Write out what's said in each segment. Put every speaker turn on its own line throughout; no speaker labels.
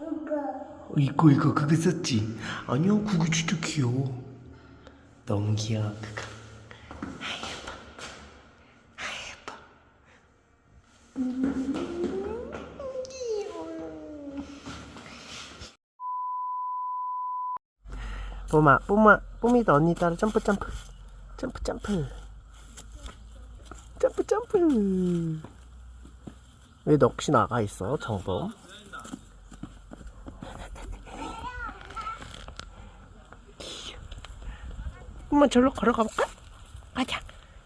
이거 그거 썼지? 아니야 그거 진짜 귀여워. 너무 귀여워 그거. 뽀미도 언니 따라 점프 왜 너 혹시 나가 있어 정범? 엄마 절로 걸어가 볼까? 가자.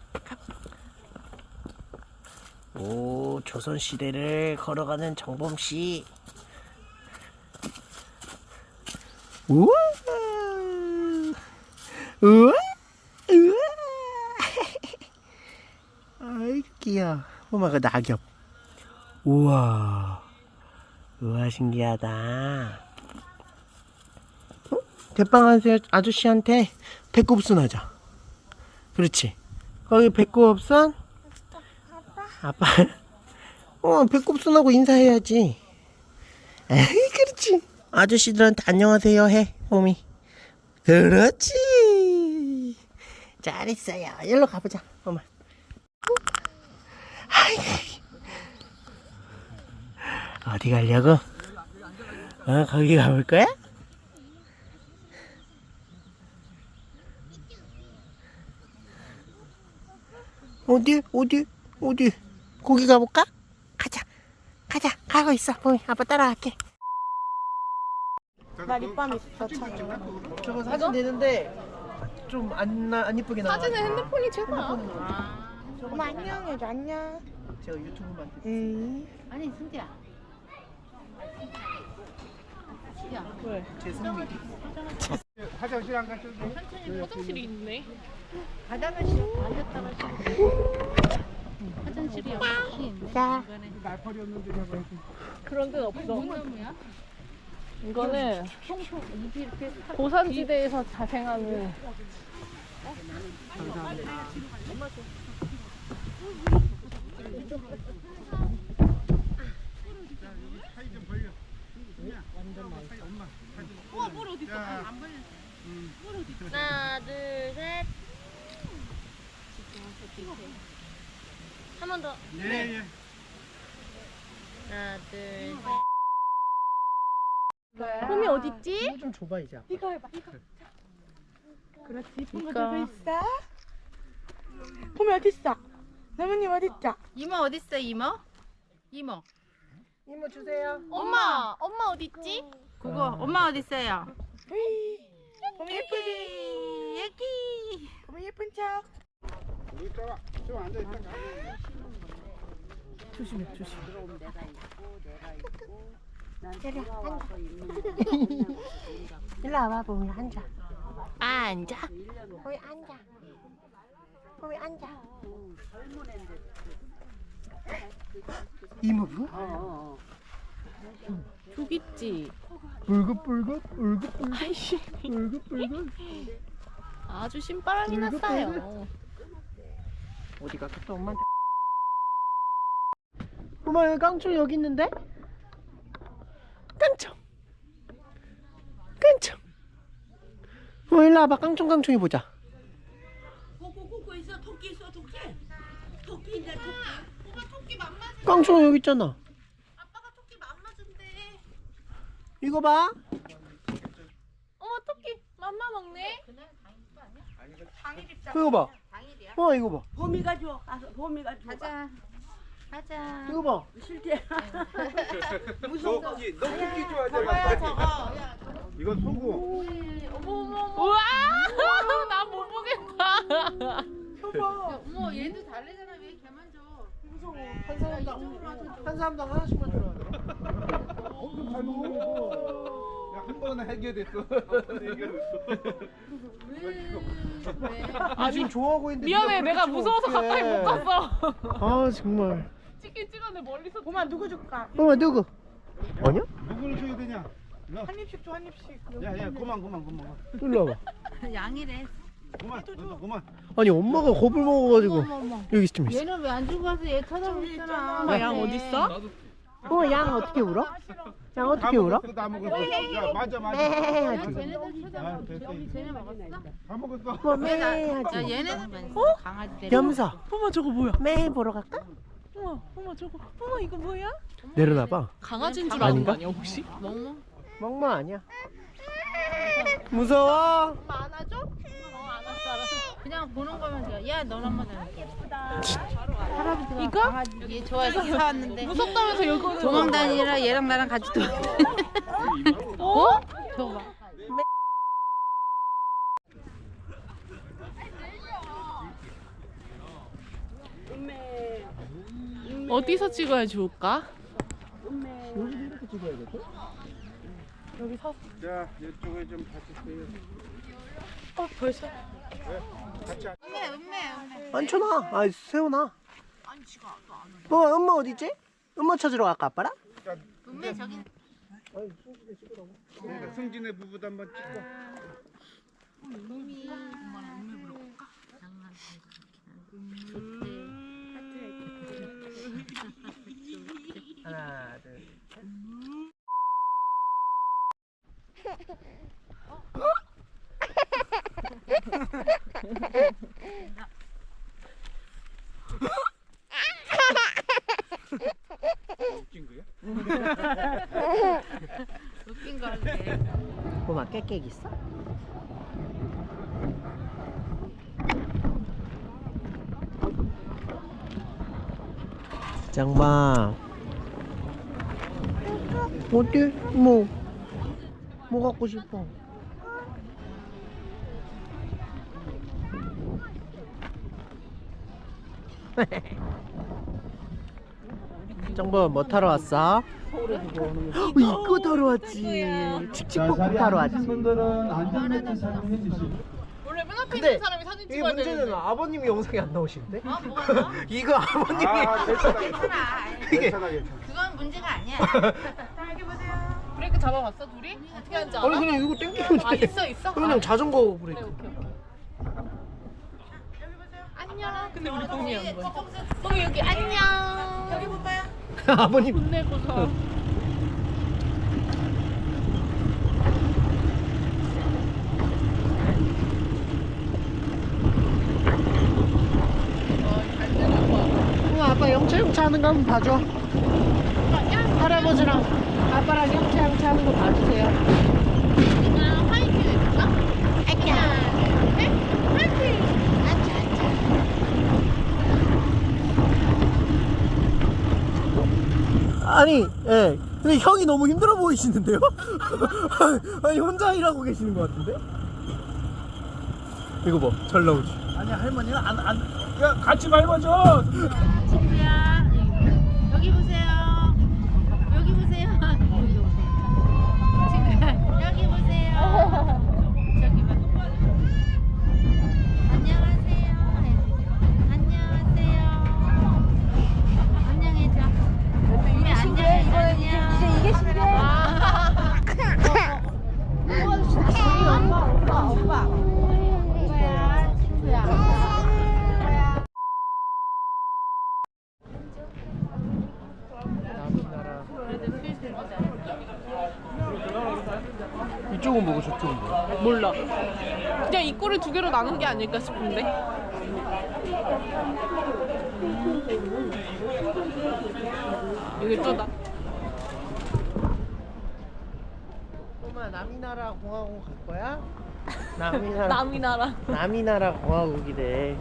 오, 조선시대를 걸어가는 정범씨. 우와 우와 우와 아이고 귀여워. 엄마가 낙엽. 우와 우와 신기하다. 대빵 아저씨한테 배꼽순 하자. 그렇지. 거기 배꼽순? 아빠. 배꼽순하고 인사해야지. 에이, 그렇지. 아저씨들한테 안녕하세요 해, 뽀미. 그렇지. 잘했어요. 일로 가보자, 엄마. 어디 가려고? 거기 가볼 거야? 어디? 거기 가볼까? 가자. 가고 있어. 뽀미, 아빠 따라갈게.
나 립밤 있어 차에.
저거 사진 되는데 좀 안 이쁘게 나와.
사진은 핸드폰이 최고야.
엄마 안녕해줘. 안녕.
제가 유튜브만 찍.
아니 승기야.
왜? 제 승리.
화장실 안 가셔도 돼.
천천히 화장실이 있네.
바닥을 씌워.
앉았다가 화장실이 여기 있네.
자.
날파리였는데 저거.
그런 데는 없어.
뭐
나무야? 이거는
입이 이렇게
고산지대에서 자생하는
하나, 둘, 셋. 한 번 더.
예.
하나, 둘, 셋.
홈이 어딨지?
이거 좀 줘봐 이제.
이거 해봐. 이거.
그렇지.
이쁜 거 들고 있어. 봄이 어딨어? 나무님 어딨죠?
이모 어딨어 이모? 이모
주세요.
엄마 어딨지? 그거 엄마 어딨어요?
봄이 예쁘지?
여기
봄이 예쁜 척.
여기 있다가 좀 앉아 있다가.
조심해.
일로 와봐, 봄이 앉아.
앉아.
봄이 앉아. 봄이 앉아.
이모부?
저기 있지.
울긋불긋.
아주 신바람이 났어요.
어디 갔겠다 엄마한테. 엄마 깡총 여기 있는데? 깡총. 일로 와봐. 깡총이 보자.
고고 있어. 토끼 있어. 토끼인데 토끼. 오빠 토끼 맘맞은.
깡총 여기 있잖아.
아빠가 토끼 맘맞은데.
이거 봐.
어머 토끼 맘마 먹네.
이거 봐. 이거 봐.
봄이가 줘. 봄이가 줘.
가자.
이거 봐.
너 토끼 좋아하지?
저거.
이건 소고.
우와 나 못 보겠다.
어머 얘도 달래잖아. 왜 걔만 줘?
한 사람당 하나씩만 들어야 돼.
엄청 잘 먹는 거. 한 번은 해결됐어.
아 지금 좋아하고 있는데.
미안해
네가
내가
그렇게
무서워서
치면
가까이 못
어떡해.
갔어.
아 정말.
찍긴 찍었는데 멀리서.
봄아 누구 줄까?
엄마 누구? 아니야?
누구를 줘야 되냐?
한 입씩 줘, 한 입씩.
야, 그만.
일로 와봐.
양이래.
그만.
아니 엄마가 겁을 먹어가지고 여기 좀 있어.
얘는 왜 안 주고 가서 얘 쳐다보고 있잖아.
엄마
양 어딨어?
양 어떻게 울어? 양 어떻게 울어?
다 먹었어. 야, 맞아.
매 하지.
아, 됐어. 다 먹었어.
뭐매
야
하지.
얘네는 강아지 데리고
염소.
어머 저거 뭐야?
매 보러 갈까?
어머 저거. 어머 이거 뭐야?
내려놔봐.
강아지인 줄
아는
아는
거
거 아니야 혹시?
멍멍
멍멍 아니야. 무서워.
그냥 보는 거면 돼요. 야 너는 한번 해볼게. 할아버지가
이거?
강아지 얘 좋아해서 사왔는데
무섭다면서 이거는
도망 다니라 얘랑 나랑 같이 도망. 어? 저거 봐.
어디서 찍어야 좋을까?
자, 이쪽에 좀 봐주세요.
벌써?
같이 앉-
앉혀놔. 아 세워놔. 엄마 어디 있지? 엄마 찾으러 갈까 아빠랑?
은매 저기
그러니까 승진의 부부도 한번 찍고.
하나 둘.
웃긴 거야?
웃긴 거 할게.
엄마 깨깨 있어? 장마 어때? 뭐 갖고 싶어? 정보 뭐 타러 왔어? 이거 타러 왔지. 칙칙폭폭 타러 왔지.
분들은 안전벨트 사용해 주시고.
원래 맨 앞에
근데
있는 사람이 사진
이게
찍어야
문제는
되는데.
아버님이 영상에 안 나오시는데? 이거 아버님이
아, 괜찮아.
이게
괜찮아, 괜찮아.
그건 문제가 아니야.
브레이크 잡아봤어 둘이? 어떻게 하는지 알아?
아니 그냥 이거 땡기면 돼.
아 있어?
그냥 자전거 브레이크.
오케이. 안녕. 근데 우리 동이 한 거야. 동이 여기 안녕. 여기 볼까요?
아버님
혼내고서.
아빠 영차 하는 거 한번 봐줘. 할아버지랑 아빠랑 영차 하는 거 봐주세요.
화이팅 해줄까? 아까. 화이팅.
아니, 예. 근데 형이 너무 힘들어 보이시는데요? 아니, 혼자 일하고 계시는 것 같은데? 이거 봐, 잘 나오지?
아니, 할머니는 야, 같이 밟아줘.
친구야 여기 보세요. 여기 보세요. 친구야 여기 보세요. 저기 봐. 안녕하세요. 안녕하세요. 안녕해줘. 이게 신기해. 이게 신기해. 오빠. 친구야.
이쪽은 뭐고 저쪽은 뭐야?
몰라. 그냥 입구를 두 개로 나눈 게 아닐까 싶은데. 이게 또다.
엄마 남이나라 공화국 갈 거야?
남이 나라.
남이나라 공화국이래.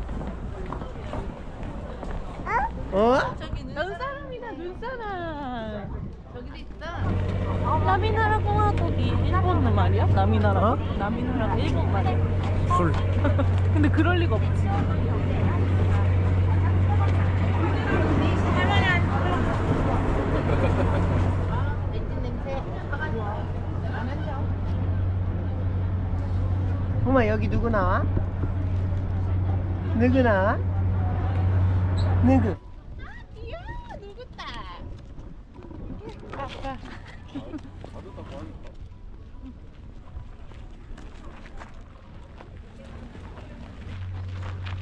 어?
눈사람이다 눈사람.
저기도 있어.
남이나라 공화국이 일본 말이야? 남이나라?
어?
남이나라가 일본 말이야?
술.
근데 그럴 리가 없지.
렌즈 냄새.
엄마 여기 누구 나와? 누구 나와? 누구?
이야 누구다.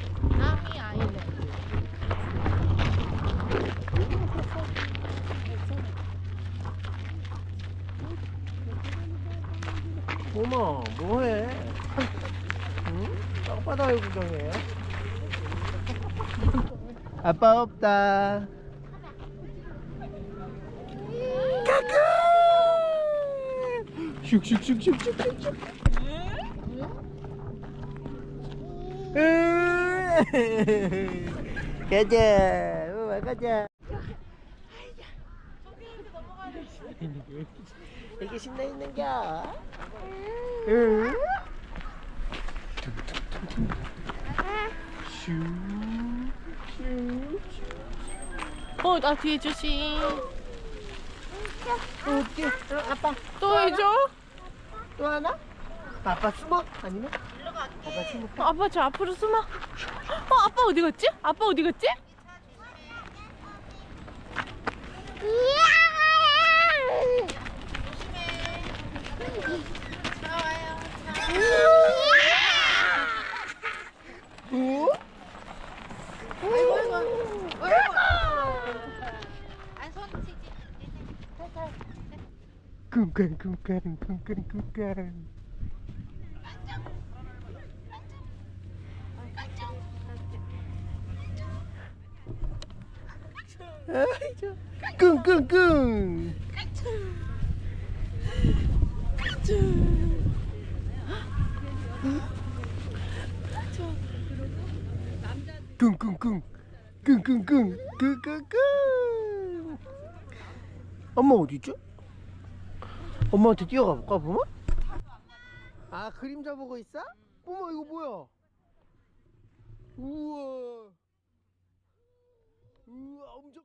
남이 아이네.
어머 뭐해? 응? 땅바닥을 구경해. 아빠 없다. 까꿍! 슉슉슉슉슉슉슉. 가자, 엄마 가자. 이게 신나 있는겨? 응?
나 뒤에 주시.
어떻게? 아빠
또 해줘?
또 하나? 아빠 숨어? 아니면? 아빠 숨어?
아빠 저 앞으로 숨어. 아빠 어디 갔지? 아빠 어디 갔지?
어? 쿵쾅쿵쾅쿵쾅쿵쾅. 아이고, 쿵쿵쿵. 쿵쿵쿵 쿵쿵쿵 쿵쿵쿵. 엄마 어디있죠? 엄마한테 뛰어가 볼까 보마? 아 그림자 보고 있어? 어머 이거 뭐야? 우와 우와 엄청